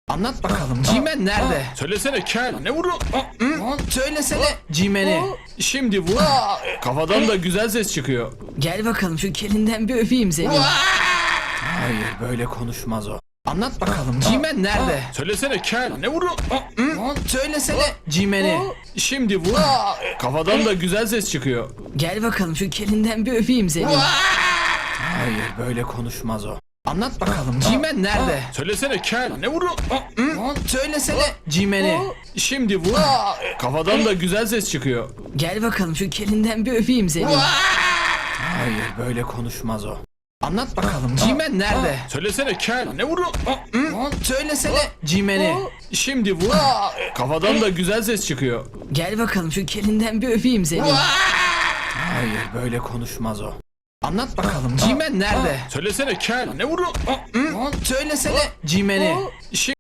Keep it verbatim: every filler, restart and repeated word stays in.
Anlat bakalım, Cimen nerede? Söylesene kel, ne vuru? Hı? Söylesene Cimen'i. Şimdi vur. Kafadan da güzel ses çıkıyor. Gel bakalım şu kelinden bir öpeyim seni. Hayır, böyle konuşmaz o. Anlat bakalım, Cimen nerede? Söylesene kel, ne vuru? Hı? Söylesene Cimen'i. Şimdi vur. Kafadan da güzel ses çıkıyor. Gel bakalım şu kelinden bir öpeyim seni. Hayır, böyle konuşmaz o. Anlat bakalım, Cimen nerede? Söylesene kel, ne vuru? Hı? Söylesene Cimen'i. Şimdi vur. Kafadan da güzel ses çıkıyor. Gel bakalım şu kelinden bir öpeyim seni. Hayır, böyle konuşmaz o. Anlat bakalım, Cimen nerede? Söylesene kel, ne vuru? Hı? Söylesene Cimen'i. Şimdi vur. Kafadan da güzel ses çıkıyor. Gel bakalım şu kelinden bir öpeyim seni. Hayır, böyle konuşmaz o. Anlat bakalım, Cimen nerede? Söylesene kel, ne vuru? Hı? Söylesene Cimen'i.